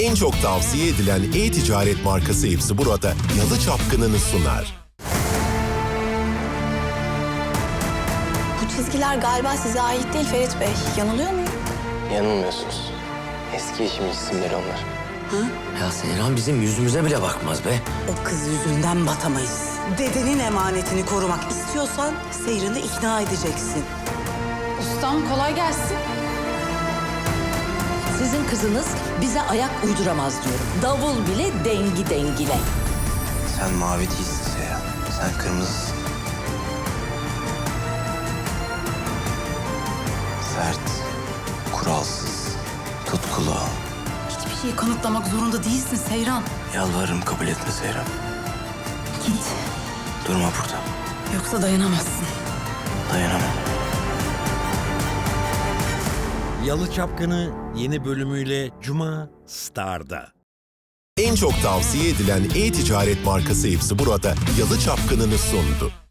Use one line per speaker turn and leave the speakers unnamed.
En çok tavsiye edilen e-ticaret markası hepsi burada Yalı Çapkını'nı sunar.
Bu çizgiler galiba size ait değil Ferit Bey. Yanılıyor muyum?
Yanılmıyorsunuz. Eski eşimin isimleri onlar.
Ya Seyran bizim yüzümüze bile bakmaz be.
O kız yüzünden batamayız. Dedenin emanetini korumak istiyorsan Seyran'ı ikna edeceksin.
Ustam kolay gelsin.
Sizin kızınız bize ayak uyduramaz diyorum. Davul bile dengi dengile.
Sen mavi değilsin Seyhan. Sen kırmızısın. Sert, kuralsız, tutkulu.
Hiçbir şeyi kanıtlamak zorunda değilsin Seyran.
Yalvarırım kabul etme Seyhan.
Git.
Durma burada.
Yoksa dayanamazsın.
Dayanamam.
Yalı Çapkını yeni bölümüyle Cuma Star'da.
En çok tavsiye edilen e-ticaret markası hepsi burada Yalı Çapkını'nı sundu.